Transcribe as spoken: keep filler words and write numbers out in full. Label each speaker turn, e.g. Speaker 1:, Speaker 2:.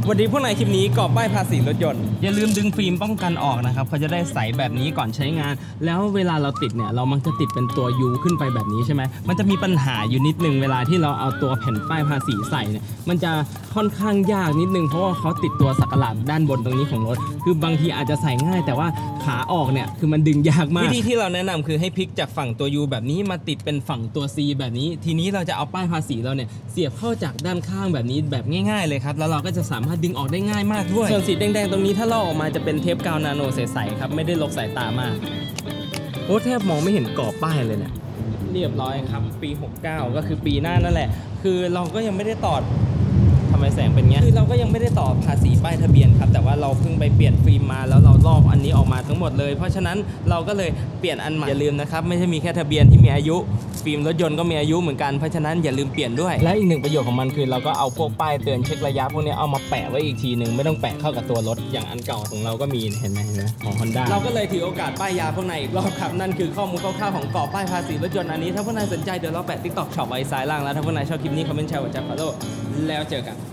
Speaker 1: วันนี้พวกนายคลิปนี้กรอบป้ายภาษีรถยนต์อย่าลืมดึงฟิล์มป้องกันออกนะครับเขาจะได้ใสแบบนี้ก่อนใช้งานแล้วเวลาเราติดเนี่ยเรามักจะติดเป็นตัว U ขึ้นไปแบบนี้ใช่ไหมมันจะมีปัญหาอยู่นิดนึงเวลาที่เราเอาตัวแผ่นป้ายภาษีใส่เนี่ยมันจะค่อนข้างยากนิดนึงเพราะว่าเขาติดตัวสักหลาดด้านบนตรงนี้ของรถคือบางทีอาจจะใส่ง่ายแต่ว่าขาออกเนี่ยคือมันดึงยากมากวิธีที่เราแนะนำคือให้พลิกจากฝั่งตัว U แบบนี้มาติดเป็นฝั่งตัว C แบบนี้ทีนี้เราจะเอาป้ายภาษีเราเนี่ยเสียบเข้าจากด้านข้างแบบนี้แบบง่ายๆเลยครับแล้วเราก็จะสามารถดึงออกได้ง่ายมากด้วยส่วนสีแดงๆตรงนี้ถ้าลอกออกมาจะเป็นเทปกาวนาโนใสๆครับไม่ได้ลกสายตามากโอ้แทบมองไม่เห็นกรอบป้ายเลยเนี่ยเรียบร้อยครับปีหกเก้าก็คือปีหน้านั่นแหละคือเราก็ยังไม่ได้ต่อทำไมแสงเป็นเงี้ยคือเราก็ยังไม่ได้ต่อภาษีป้ายทะเบียนครับแต่ว่าเราเพิ่งไปเปลี่ยนฟิล์มมาแล้วเราลอกอันนี้ออกมาทั้งหมดเลยเพราะฉะนั้นเราก็เลยเปลี่ยนอันใหม่อย่าลืมนะครับไม่ใช่มีแค่ทะเบียนที่มีอายุฟิล์มรถยนต์ก็มีอายุเหมือนกันเพราะฉะนั้นอย่าลืมเปลี่ยนด้วยและอีกหนึ่งประโยชน์ของมันคือเราก็เอาพวกป้ายเตือนเช็คระยะพวกนี้เอามาแปะไว้อีกทีหนึ่งไม่ต้องแปะเข้ากับตัวรถอย่างอันเก่าของเราก็มีเห็นไหมเห็นไหมของ Honda เราก็เลยถือโอกาสป้ายยาพวกนายอีกรอบครับนั่นคือข้อมูลคร่าวๆของกรอบป้ายภาษีรถยนต์อันนี้ถ้าพวกนายสนใจเดี๋ยวเราแปะ ติ๊กต็อก ช็อปไว้ซ้ายล่างแล้วถ้าพวกนายชอบคลิปนี้คอมเมนต์แชร์หัวใจฟอลโล่แล้วเจอกัน